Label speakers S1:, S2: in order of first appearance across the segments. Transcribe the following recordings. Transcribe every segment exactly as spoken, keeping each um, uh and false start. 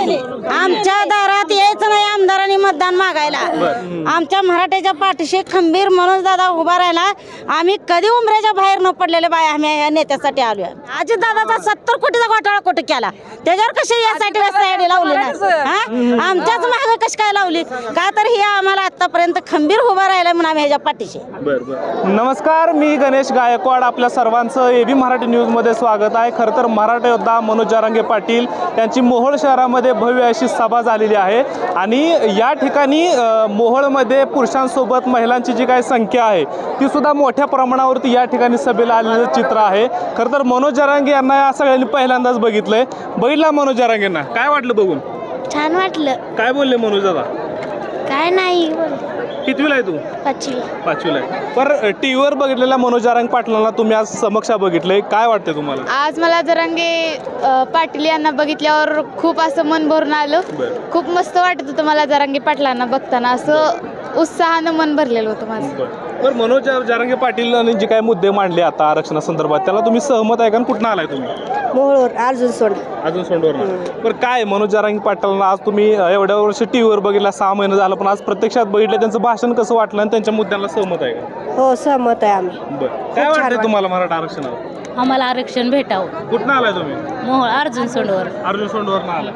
S1: नाही आमच्या दारात यायचं नाही आमदारांनी मतदान मागायला आमच्या मराठ्याच्या पाठीशी खंबीर मनोज दादा उभा राहिला आम्ही कधी उमऱ्याच्या बाहेर न पडलेले बाय आम्ही या नेत्यासाठी आलोय अजित दादाचा सत्तर कोटीचा घोटाळा कुठे केला त्याच्यावर कशी यासाठी वेबसाईट लावली नाही आमच्याच मागे कशी काय लावली का तर ही आम्हाला आतापर्यंत खंबीर उभा राहिला म्हणून आम्ही ह्याच्या पाठीशी.
S2: नमस्कार, मी गणेश गायकवाड. आपल्या सर्वांचं एबी मराठी न्यूज मध्ये स्वागत आहे. खरं तर मराठा योद्धा मनोज जरांगे पाटील यांची मोहोळ शहरामध्ये भव्य अशी सभा झालेली आहे आणि या ठिकाणी मोहोळमध्ये पुरुषांसोबत महिलांची जी काही संख्या आहे ती सुद्धा मोठ्या प्रमाणावरती या ठिकाणी सभेला आलेलं चित्र आहे. खरं तर मनोज जरांगे यांना या सगळ्यांनी पहिल्यांदाच बघितलंय. बघितला मनोज जरांगेंना, काय वाटलं बघून?
S3: छान वाटलं.
S2: काय बोलले मनोज दादा?
S3: काय नाही.
S2: कितवीला आहे तू?
S3: पाचवी.
S2: पाचवीला आहे. पर टीव्हीवर बघितलेल्या मनोज जरांगे पाटलांना तुम्ही आज समक्ष बघितलंय, काय वाटतंय तुम्हाला?
S4: आज मला जरांगे पाटील यांना बघितल्यावर खूप असं मन भरून आलं. खूप मस्त वाटत होतं मला जरांगे पाटलांना बघताना, असं उत्साहानं मन भरलेलं होतं माझं.
S2: तर मनोज जरांगे पाटील जे काही मुद्दे मांडले आता आरक्षणासंदर्भात त्याला तुम्ही सहमत आहे का? कुठून आलाय तुम्ही?
S1: मोहोळवर. अर्जुन सोंड.
S2: अजून सोंडवर. पण काय मनोज जरांगे पाटलांना आज तुम्ही एवढ्या वर्ष टीव्हीवर बघितला, सहा महिने झालं, पण आज प्रत्यक्षात बघितलं त्यांचं भाषण कसं वाटलं आणि त्यांच्या मुद्द्यांना सहमत आहे का?
S1: हो सहमत आहे आम्ही.
S2: बरं, काय वाटतंय तुम्हाला मराठा आरक्षणावर?
S5: आम्हाला आरक्षण भेटावं.
S2: कुठं आलाय तुम्ही?
S5: मोहोळ अर्जुन सोंडवर.
S2: अर्जुन सोंडवर आलाय.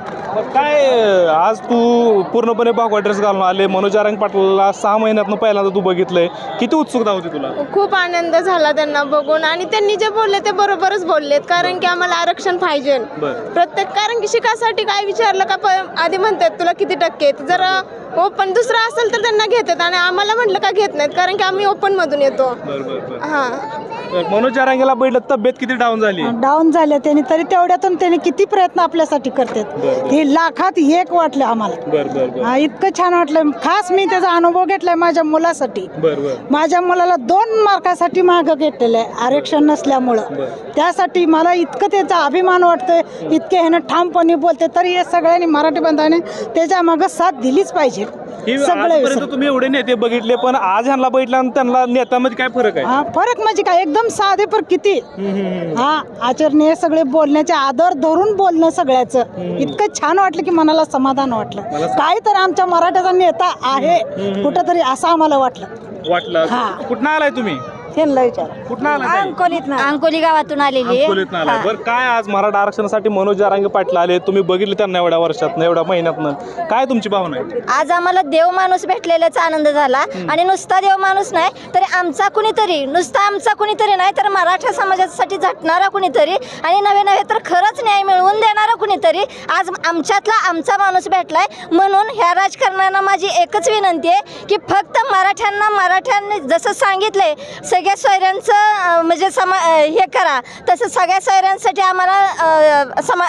S2: काय आज तू पूर्णपणे भगवा ड्रेस घालून आले, मनोज जरांगे पाटलाला सहा महिन्यातनं पहिल्यांदा तू बघितलंय, किती उत्सुकता होती तुला?
S4: खूप आनंद झाला त्यांना बघून आणि त्यांनी जे बोलले ते बरोबरच बोललेत, कारण की आम्हाला आरक्षण पाहिजे प्रत्येक. कारण की शिकासाठी काय विचारलं का प- आधी म्हणतात तुला किती टक्के आहेत, जर ओपन दुसरं असेल तर त्यांना घेतात आणि आम्हाला म्हटलं का घेत नाहीत, कारण की आम्ही ओपन मधून येतो. हा,
S2: मनोज जरांगेला बैठलं, तब्येत किती डाऊन झाली?
S1: डाऊन झाले त्यांनी, तरी तेवढ्यातून त्यांनी किती प्रयत्न आपल्यासाठी करतात. हे लाखात एक वाटलं आम्हाला.
S2: बरं बरं
S1: हा, इतकं छान वाटलं. खास मी त्याचा अनुभव घेतलाय माझ्या मुलासाठी.
S2: बरं बरं
S1: माझ्या मुलाला दोन मार्कासाठी मागं घेतलेलं आहे आरक्षण नसल्यामुळं. त्यासाठी मला इतकं त्याचा अभिमान वाटतोय, इतके ह्यानं ठामपणे बोलते. तरी हे सगळ्यांनी मराठी बांधवाने त्याच्या मागं साथ दिलीच पाहिजे.
S2: आजपर्यंत तुम्ही एवढे नेते बघितले, पण आज ह्यांना बघितलं आणि त्यांना नेत्यामध्ये काय फरक आहे?
S1: हा, फरक म्हणजे काय, एकदम साधे पर किती हा आचरणीय सगळे, बोलण्याचे आदर धरून बोलणं सगळ्याचं इतकं छान वाटलं की मनाला समाधान वाटलं. काय तर आमच्या मराठ्याचा नेता आहे कुठंतरी असं आम्हाला वाटलं.
S2: वाटलं. कुठं आलाय तुम्ही? कुठं आलाय?
S5: अंकोली गावातून आलेली.
S2: बरं, काय आज मराठा आरक्षणासाठी मनोज जरांगे पाटील आले, तुम्ही बघितले त्यांना एवढ्या वर्षात एवढ्या महिन्यातनं, काय तुमची भावना आहे?
S5: आज आम्हाला देव माणूस भेटलेल्याचा आनंद झाला आणि नुसता देव माणूस नाही तर आमचा कुणीतरी, नुसता आमचा कुणीतरी नाही तर मराठा समाजासाठी झटणारा कुणीतरी आणि नवे नवे तर खरंच न्याय मिळवून देणारा कुणीतरी आज आमच्यातला आमचा माणूस भेटलाय. म्हणून ह्या राजकारणाला माझी एकच विनंती आहे की फक्त मराठ्यांना मराठ्यांनी जसं सांगितलंय सगळ्या सोयऱ्यांचं म्हणजे समा हे करा, तसं सगळ्या सोयऱ्यांसाठी आम्हाला समा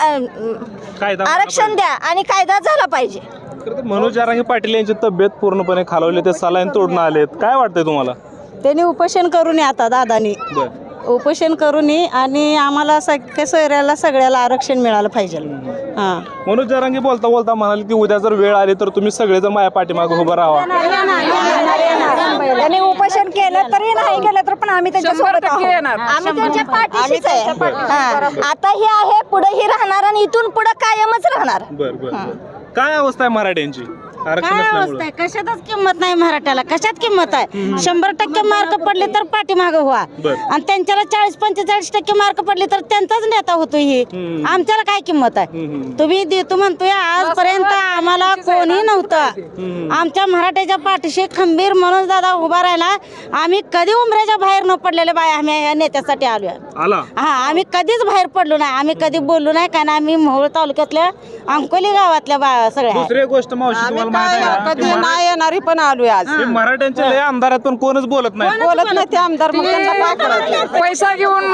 S5: आरक्षण द्या आणि कायदा झाला पाहिजे.
S2: मनोज जरांगे पाटील यांची तब्येत पूर्णपणे खालावली, ते सलाईन तोडून आलेत, काय वाटतंय तुम्हाला?
S1: त्यांनी उपोषण करू नये आता दादानी, उपोषण करू नये आणि आम्हाला सगळ्या सोयऱ्याला सगळ्याला आरक्षण मिळालं पाहिजे. हां,
S2: मनोज जरांगे बोलता बोलता म्हणाले की उद्या जर वेळ आली तर तुम्ही सगळेजण माझ्या पाठीमागे उभं राहा.
S1: त्यांनी उपोषण केलं तरी नाही केलं तर पण आम्ही त्यांच्यासोबत
S5: आम्ही त्यांच्या पाठीशीच आहे. आता हे आहे, पुढे ही राहणार आणि इथून पुढे कायमच राहणार.
S2: बर बर, काय अवस्था आहे मराठ्यांची आरक्षण
S1: काय अवस्था
S2: नसल्यामुळे?
S1: आहे, कशातच किंमत नाही मराठ्याला, कशात किंमत आहे? शंभर टक्के मार्क पडले तर पाठीमागे व्हा आणि त्यांच्याला चाळीस पंचेचाळीस टक्के मार्क पडले तर त्यांचाच नेता होतो. ही आमच्याला काय किंमत आहे? तुम्ही देतो म्हणतोय, आजपर्यंत आम्हाला कोणी नव्हतं. आमच्या मराठ्याच्या पाठीशी खंबीर मनोज दादा उभा राहिला. आम्ही कधी उमऱ्याच्या बाहेर न पडलेले बाय आम्ही या नेत्यासाठी आलोय.
S2: आला.
S1: हा, आम्ही कधीच बाहेर पडलो नाही, आम्ही कधी बोललो नाही, कारण आम्ही मोहोळ तालुक्यातल्या अंकोली गावातल्या बा सगळ्या.
S2: दुसरी गोष्ट मावशी, तुम्हाला माहिती आहे का?
S1: कधी नाही येणारी पण आलोय आज.
S2: हे मराठ्यांचे लय आमदार आहेत पण कोणच बोलत नाही.
S1: बोलत नाही ते आमदार, मग त्यांना काय करायचं?
S6: पैसा घेऊन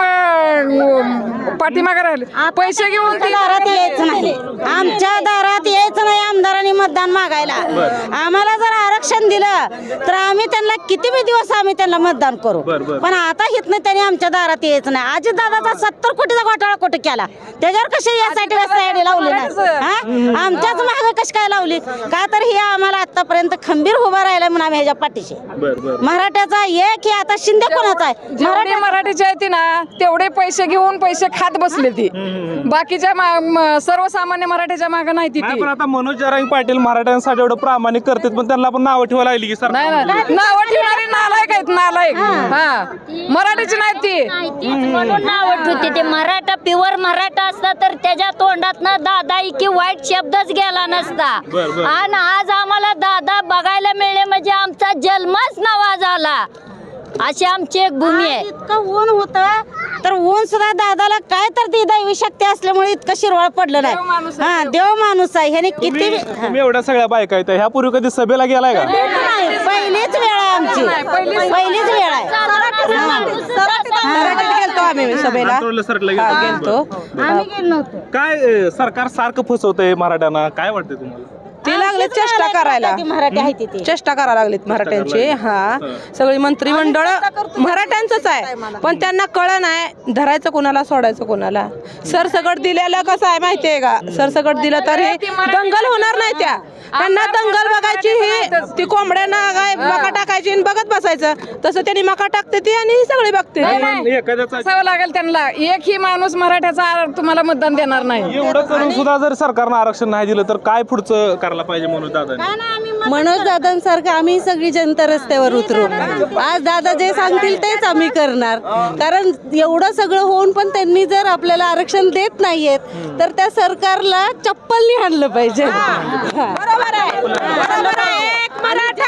S6: पाठीमागे राहिले, पैसे घेऊन
S1: आमच्या दारात यायचं नाही, आमच्या दारात यायचं नाही आमदारांनी मतदान मागायला. आम्हाला जर आरक्षण दिलं तर आम्ही त्यांना किती बी दिवस आम्ही त्यांना मतदान करू, पण आता हितनं त्यांनी आमच्या दारात यायचं नाही. अजित दादाचा सत्तर कोटीचा घोटाळा कुठे केला, त्याच्यावर कशी यासाठी वेबसाईट लावली नाही. आमच्याच मागे कशी काय लावली का तर ही आम्हाला आतापर्यंत खंबीर उभा राहिला म्हणून आम्ही ह्याच्या पाठीशी
S2: बर बर
S1: मराठ्याचा एक की आता शिंदे कोणाचा आहे
S6: जेवढे मराठीचे आहे ती ना तेवढे पैसे घेऊन पैसे खात बसले ती बाकीच्या मा- म- सर्वसामान्य मराठ्याच्या मागे नाही ती
S2: नाही
S6: ती
S2: पण आता मनोज जरांगे पाटील मराठ्यांसाठी एवढं प्रामाणिक करतात पण त्यांना पण नावं ठेवायला लागली की
S6: नाही
S2: सरकार
S6: नाही नाव ठेवणारी नालायक आहेत नालायक हा मराठीची नाही ती
S7: म्हणून नाव ठेवते ते मराठा प्युअर मराठा असता तर त्याच्या तोंडात ना दादा की वाईट शब्दच गेला नसता
S2: बर, बर.
S7: आणि आज आम्हाला दादा बघायला मिळले म्हणजे आमचा जन्मच नवा झाला अशी आमची एक भूमी आहे.
S1: इतकं ऊन होतं तर ऊन सुद्धा दादाला काय तर ती दैवी शक्ती असल्यामुळे इतकं शिरवाळ पडलं
S6: देव माणूस
S1: नाही
S6: आहे,
S1: हा देव माणूस आहे ह्याने किती
S2: तुम्ही तुम्ही एवढ्या सगळ्या बायका आहेत ह्या पूर्वी कधी सभेला गेलाय का
S1: नाही, पहिलीच वेळ आहे आमची पहिलीच वेळ आहे
S8: गेलतो आम्ही सभेला
S2: आंतरवलं सरकलं
S8: हा,
S2: गेलं.
S8: गेलतो
S1: आम्ही गेलो नव्हतो
S2: काय अं, सरकार सारखं फसवतंय मराठ्यांना काय वाटतंय तुम्हाला
S8: ते लागले चेष्टा करायला
S1: ती मराठी आहे ती ती.
S8: चेष्टा करायला लागलीत मराठ्यांची हा सगळी मंत्रिमंडळ मराठ्यांचंच आहे पण त्यांना कळ नाही धरायचं कोणाला सोडायचं कोणाला सरसकट दिलेलं कसं आहे माहितीये का सरसकट दिलं तर हे दंगल होणार नाही त्या त्यांना दंगल बघायची ही ती कोंबड्यांना काय मका टाकायची आणि बघत बसायचं तसं त्यांनी मका टाकते ती आणि ही सगळी बघते ती.
S2: पण एखाद्याचा
S6: असावं लागेल त्यांना एकही माणूस मराठ्याचा तुम्हाला मतदान देणार नाही
S2: एवढं करून सुद्धा जर सरकारनं आरक्षण नाही दिलं तर काय पुढचं करायला पाहिजे म्हणून दादा
S9: मनोज दादांसारखं आम्ही सगळी जनता रस्त्यावर उतरू आज दादा जे सांगतील तेच आम्ही करणार कारण एवढं सगळं होऊन पण त्यांनी जर आपल्याला आरक्षण देत नाहीयेत तर त्या सरकारला चप्पलनी हाणलं पाहिजे बरोबर आहे बरोबर आहे. एक मराठा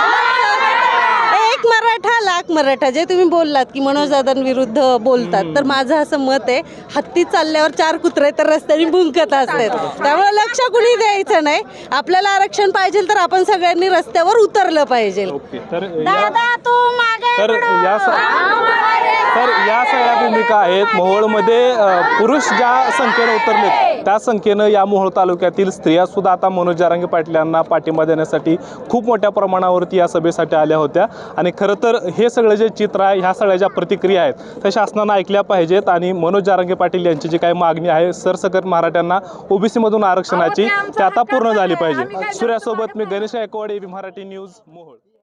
S9: एक मराठा लाख मराठा जे तुम्ही बोललात की मनोज दादांविरुद्ध बोलतात तर माझं असं मत आहे हत्ती चालल्यावर चार कुत्रे तर रस्त्याने भुंकत असतात त्यामुळे लक्ष कुणी द्यायचं नाही आपल्याला आरक्षण पाहिजे तर आपण सगळ्यांनी रस्त्यावर उतरलं पाहिजे
S2: ओके तर या-
S1: दादा तू मागे
S2: तर या स- तर या सगळ्या भूमिका आहेत मोहोळमध्ये अ, पुरुष ज्या संख्येनं उतरलेत त्या संख्येनं या मोहोळ तालुक्यातील स्त्रिया सुद्धा आता मनोज जरांगे पाटील यांना पाठिंबा देण्यासाठी खूप मोठ्या प्रमाणावरती या सभेसाठी आल्या होत्या आणि खरं तर हे सगळं जे चित्र आहे ह्या सगळ्या ज्या प्रतिक्रिया आहेत त्या शासनानं ऐकल्या पाहिजेत आणि मनोज जरांगे पाटील यांची जी काही मागणी आहे सरसकट मराठ्यांना ओबीसीमधून आरक्षणाची ती आता पूर्ण झाली पाहिजे सूर्यासोबत मी गणेश गायकवाड एबी मराठी न्यूज मोहोळ.